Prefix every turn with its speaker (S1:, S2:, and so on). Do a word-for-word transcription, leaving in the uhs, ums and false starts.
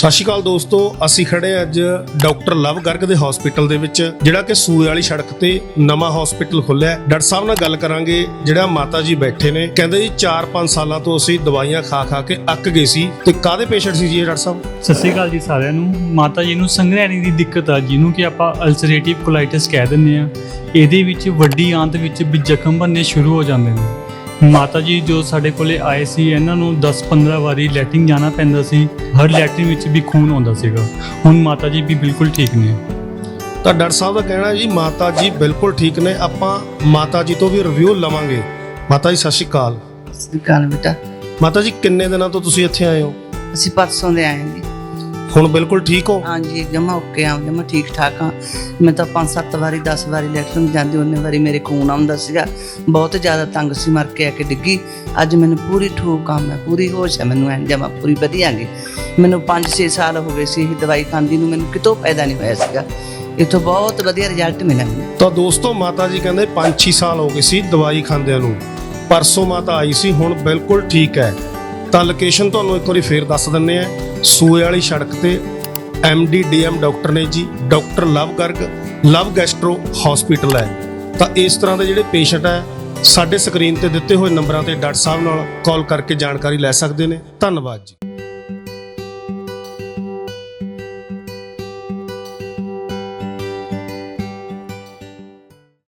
S1: ਸਤਿ ਸ਼੍ਰੀ ਅਕਾਲ ਦੋਸਤੋ, ਅਸੀਂ ਖੜੇ ਅੱਜ ਡਾਕਟਰ ਲਵ ਗਰਗ ਦੇ ਹਸਪੀਟਲ ਦੇ ਵਿੱਚ, ਜਿਹੜਾ ਕਿ ਸੂਏ ਵਾਲੀ ਸੜਕ ਤੇ ਨਵਾਂ ਹਸਪੀਟਲ ਖੁੱਲਿਆ। ਡਾਕਟਰ ਸਾਹਿਬ ਨਾਲ ਗੱਲ ਕਰਾਂਗੇ। ਜਿਹੜਾ ਮਾਤਾ ਜੀ ਬੈਠੇ ਨੇ, ਕਹਿੰਦੇ ਜੀ ਚਾਰ ਪੰਜ ਸਾਲਾਂ ਤੋਂ ਅਸੀਂ ਦਵਾਈਆਂ ਖਾ ਖਾ ਕੇ ਅੱਕ ਗਏ ਸੀ। ਤੇ ਕਾਹਦੇ ਪੇਸ਼ੈਂਟ ਸੀ ਜੀ ਇਹ ਡਾਕਟਰ ਸਾਹਿਬ?
S2: ਸਤਿ ਸ਼੍ਰੀ ਅਕਾਲ ਜੀ ਸਾਰਿਆਂ ਨੂੰ। ਮਾਤਾ ਜੀ ਨੂੰ ਸੰਘਰੈਣੀ ਦੀ ਦਿੱਕਤ ਆ, ਜਿਹਨੂੰ ਕਿ ਆਪਾਂ ਅਲਸਰੇਟਿਵ ਕੋਲਾਈਟਿਸ ਕਹਿ ਦਿੰਦੇ ਆ। ਇਹਦੇ ਵਿੱਚ ਵੱਡੀ ਆਂਤ ਵਿੱਚ ਵੀ ਜ਼ਖਮ ਬਣਨੇ ਸ਼ੁਰੂ ਹੋ ਜਾਂਦੇ ਨੇ। ਮਾਤਾ ਜੀ ਜੋ ਸਾਡੇ ਕੋਲੇ ਆਏ ਸੀ, ਇਹਨਾਂ ਨੂੰ ਦਸ ਪੰਦਰਾਂ ਵਾਰੀ ਲੈਟਰਿਨ ਜਾਣਾ ਪੈਂਦਾ ਸੀ। ਹਰ ਲੈਟਰਿਨ ਵਿੱਚ ਵੀ ਖੂਨ ਆਉਂਦਾ ਸੀਗਾ। ਹੁਣ ਮਾਤਾ ਜੀ ਵੀ ਬਿਲਕੁਲ ਠੀਕ ਨੇ।
S1: ਤਾਂ ਡਾਕਟਰ ਸਾਹਿਬ ਦਾ ਕਹਿਣਾ ਜੀ ਮਾਤਾ ਜੀ ਬਿਲਕੁਲ ਠੀਕ ਨੇ। ਆਪਾਂ ਮਾਤਾ ਜੀ ਤੋਂ ਵੀ ਰਿਵਿਊ ਲਵਾਂਗੇ। ਮਾਤਾ ਜੀ ਸਤਿ ਸ਼੍ਰੀ ਅਕਾਲ।
S3: ਸਤਿ ਸ਼੍ਰੀ ਅਕਾਲ ਬੇਟਾ।
S1: ਮਾਤਾ ਜੀ ਕਿੰਨੇ ਦਿਨਾਂ ਤੋਂ ਤੁਸੀਂ ਇੱਥੇ ਆਏ ਹੋ?
S3: ਅਸੀਂ ਪਰਸੋਂ ਦੇ ਆਏ ਹਾਂ ਜੀ।
S1: ਹੁਣ ਬਿਲਕੁਲ ਠੀਕ ਹੋ?
S3: ਹਾਂਜੀ, ਜਮਾ ਓਕੇ ਆ, ਜਮਾ ਠੀਕ ਠਾਕ ਆ। ਮੈਂ ਤਾਂ ਪੰਜ ਸੱਤ ਵਾਰੀ ਦਸ ਵਾਰੀ ਲੈਟਰਨ ਜਾਂਦੀ, ਉਹਨੇ ਵਾਰੀ ਮੇਰੇ ਖੂਨ ਆਉਂਦਾ ਸੀਗਾ। ਬਹੁਤ ਜ਼ਿਆਦਾ ਤੰਗ ਸੀ, ਮਰ ਕੇ ਆ ਕੇ ਡਿੱਗੀ। ਅੱਜ ਮੈਨੂੰ ਪੂਰੀ ਠੂਕ ਕੰਮ ਹੈ, ਪੂਰੀ ਹੋਸ਼ ਹੈ, ਮੈਨੂੰ ਐਂ ਜਮਾ ਪੂਰੀ ਵਧੀਆ ਗਈ। ਮੈਨੂੰ ਪੰਜ ਛੇ ਸਾਲ ਹੋ ਗਏ ਸੀ ਇਹ ਦਵਾਈ ਖਾਂਦੀ ਨੂੰ, ਮੈਨੂੰ ਕਿਤੋਂ ਫਾਇਦਾ ਨਹੀਂ ਹੋਇਆ ਸੀਗਾ। ਇੱਥੋਂ ਬਹੁਤ ਵਧੀਆ ਰਿਜ਼ਲਟ ਮਿਲਿਆ ਮੈਨੂੰ।
S1: ਤਾਂ ਦੋਸਤੋ ਮਾਤਾ ਜੀ ਕਹਿੰਦੇ ਪੰਜ ਛੇ ਸਾਲ ਹੋ ਗਏ ਸੀ ਦਵਾਈ ਖਾਂਦਿਆਂ ਨੂੰ। ਪਰਸੋਂ ਮਾਤਾ ਆਈ ਸੀ, ਹੁਣ ਬਿਲਕੁਲ ਠੀਕ ਹੈ। ਤਾਂ ਲੋਕੇਸ਼ਨ ਤੁਹਾਨੂੰ ਇੱਕ ਵਾਰੀ ਫੇਰ ਦੱਸ ਦਿੰਦੇ ਆ। ਸੂਏ ਵਾਲੀ ਸੜਕ ਤੇ M D D M doctor ਨੇ ਜੀ, doctor Luv Garg, Luv gastro hospital ਹੈ। ਤਾਂ ਇਸ ਤਰ੍ਹਾਂ ਦੇ ਜਿਹੜੇ ਪੇਸ਼ੈਂਟ ਹੈ, ਸਾਡੇ ਸਕਰੀਨ ਤੇ ਦਿੱਤੇ ਹੋਏ ਨੰਬਰਾਂ ਤੇ ਡਾਕਟਰ ਸਾਹਿਬ ਨਾਲ ਕਾਲ ਕਰਕੇ ਜਾਣਕਾਰੀ ਲੈ ਸਕਦੇ ਨੇ। ਧੰਨਵਾਦ ਜੀ।